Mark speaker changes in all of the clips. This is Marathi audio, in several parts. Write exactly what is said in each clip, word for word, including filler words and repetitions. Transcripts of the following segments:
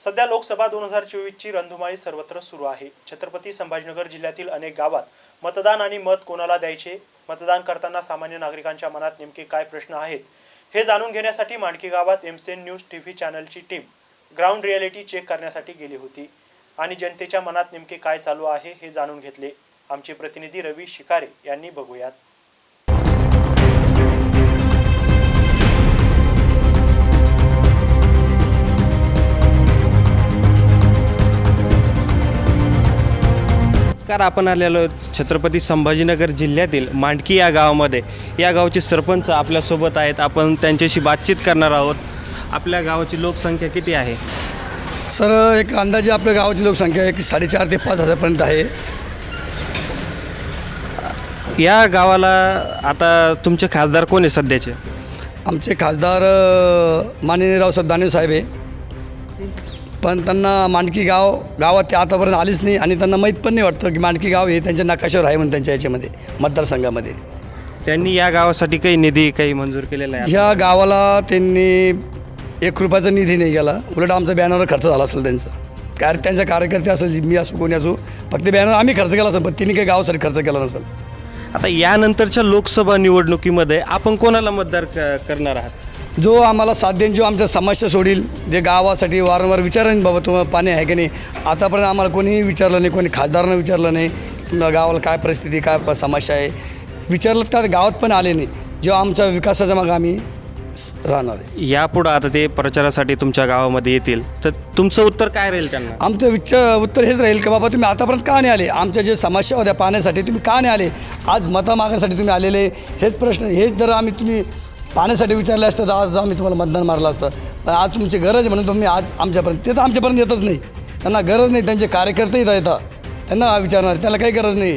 Speaker 1: सध्या लोकसभा दोन हजार चोवीसची रणधुमाळी सर्वत्र सुरू आहे। छत्रपती संभाजीनगर जिल्ह्यातील अनेक गावात मतदान आणि मत कोणाला द्यायचे, मतदान करताना सामान्य नागरिकांच्या मनात नेमके काय प्रश्न आहेत हे जाणून घेण्यासाठी मांडकी गावात एमसीएन न्यूज टीव्ही चॅनलची टीम ग्राउंड रियालिटी चेक करण्यासाठी गेली होती आणि जनतेच्या मनात नेमके काय चालू आहे हे जाणून घेतले। आमचे प्रतिनिधी रवी शिकारे यांनी बघूयात।
Speaker 2: नमस्कार, आपण आलेलो छत्रपती संभाजीनगर जिल्ह्यातील मांडकी या गावामध्ये। या गावचे सरपंच आपल्यासोबत आहेत, आपण त्यांच्याशी बातचीत करणार आहोत। आपल्या गावाची लोकसंख्या किती आहे?
Speaker 3: सर, एक अंदाजे आपल्या गावाची लोकसंख्या एक साडेचार ते पाच हजारपर्यंत आहे।
Speaker 2: या गावाला आता तुमचे खासदार कोण आहे सध्याचे?
Speaker 3: आमचे खासदार माननीय रावसाहेब दानवे साहेब आहे, पण त्यांना मांडकी गाव गावात ते आतापर्यंत आलीच नाही आणि त्यांना माहीत पण नाही वाटतं की मांडकी गाव हे त्यांच्या नकाशावर आहे म्हणून त्यांच्या याच्यामध्ये मतदारसंघामध्ये।
Speaker 2: त्यांनी या गावासाठी काही निधी काही मंजूर केलेला आहे?
Speaker 3: ह्या गावाला त्यांनी एक रुपयाचा निधी नाही गेला, उलट आमचा बॅनरवर खर्च झाला असेल त्यांचा। काय त्यांचे कार्यकर्ते असेल, मी असो कोणी असो, फक्त बॅनर आम्ही खर्च केला असेल, पण त्यांनी काही गावासाठी खर्च केला नसेल।
Speaker 2: आता यानंतरच्या लोकसभा निवडणुकीमध्ये आपण कोणाला मतदार करणार आहात?
Speaker 3: जो आम्हाला साथ देईन, जो आमच्या समस्या सोडील, जे गावासाठी वारंवार विचारेन बाबा तुम्हाला पाणी आहे की नाही। आतापर्यंत आम्हाला कोणीही विचारलं नाही, कोणी खासदारानं विचारलं नाही तुमच्या गावाला काय परिस्थिती, काय समस्या आहे विचारलं, त्या गावात पण आले नाही। जो आमच्या विकासाच्या मागं आम्ही राहणार आहे।
Speaker 2: यापुढं आता ते प्रचारासाठी तुमच्या गावामध्ये येतील, तर तुमचं उत्तर काय राहील त्यांना?
Speaker 3: आमचं विचार उत्तर हेच राहील की बाबा तुम्ही आतापर्यंत का नाही आले, आमच्या जे समस्या होत्या पाण्यासाठी तुम्ही का नाही आले, आज मतं मागण्यासाठी तुम्ही आलेले, हेच प्रश्न हेच जर आम्ही तुम्ही पाण्यासाठी विचारले असतं तर आज आम्ही तुम्हाला मतदान मारलं असतं। पण आज तुमची गरज आहे म्हणून तुम्ही आज आमच्यापर्यंत, ते तर आमच्यापर्यंत येतच नाही, त्यांना गरज नाही, त्यांचे कार्यकर्ते येतात येतात त्यांना विचारणार, त्याला काही गरज नाही।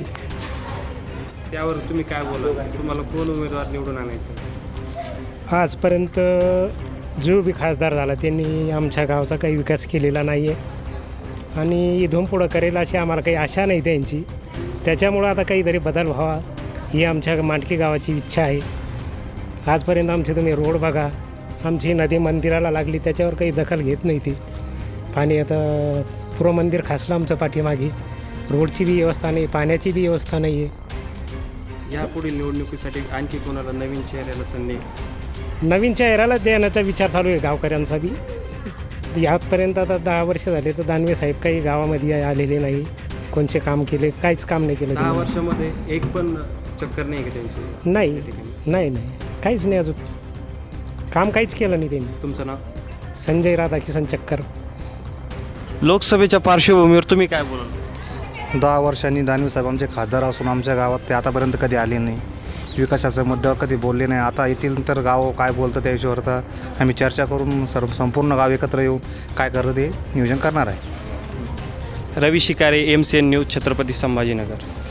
Speaker 2: त्यावर तुम्ही काय बोला, तुम्हाला कोण उमेदवार निवडून आणायचं?
Speaker 4: आजपर्यंत जो बी खासदार झाला त्यांनी आमच्या गावचा काही विकास केलेला नाही आहे आणि इथून पुढं करेल अशी आम्हाला काही आशा नाही त्यांची। त्याच्यामुळं आता काहीतरी बदल व्हावा ही आमच्या मांडकी गावाची इच्छा आहे। आजपर्यंत आमचे तुम्ही रोड बघा, आमची नदी मंदिराला लागली त्याच्यावर काही दखल घेत नाही ती। पाणी आता पुरं मंदिर खासलं आमचं पाठीमागे, रोडची बी व्यवस्था नाही, पाण्याची बी व्यवस्था नाही आहे।
Speaker 2: यापुढील निवडणुकीसाठी आणखी कोणाला नवीन चेहऱ्याला संधी?
Speaker 4: नवीन चेहऱ्याला देण्याचा विचार चालू आहे गावकऱ्यांचा बी। यातपर्यंत आता दहा वर्ष झाले तर दानवे साहेब काही गावामध्ये आलेले नाही, कोणचे काम केले, काहीच काम नाही केलं।
Speaker 2: दहा वर्षामध्ये एक पण चक्कर नाही का त्यांची?
Speaker 4: नाही नाही नाही काहीच नाही, अजून काम काहीच केलं नाही त्यांनी।
Speaker 2: तुमचं नाव?
Speaker 4: संजय राधाकिशन चक्कर।
Speaker 2: लोकसभेच्या पार्श्वभूमीवर तुम्ही काय बोलाल?
Speaker 5: दहा वर्षांनी दानवे साहेब आमचे खासदार असून आमच्या गावात ते आतापर्यंत कधी आले नाही, विकासाच्या मुद्द्यावर कधी बोलले नाही। आता येतील तर गाव काय बोलतं त्या विषयावर तर आम्ही चर्चा करून सर्व संपूर्ण गाव एकत्र येऊन काय करतं ते नियोजन करणार आहे।
Speaker 2: Ravi Shikare, MCN news, Chhatrapati Sambhajinagar.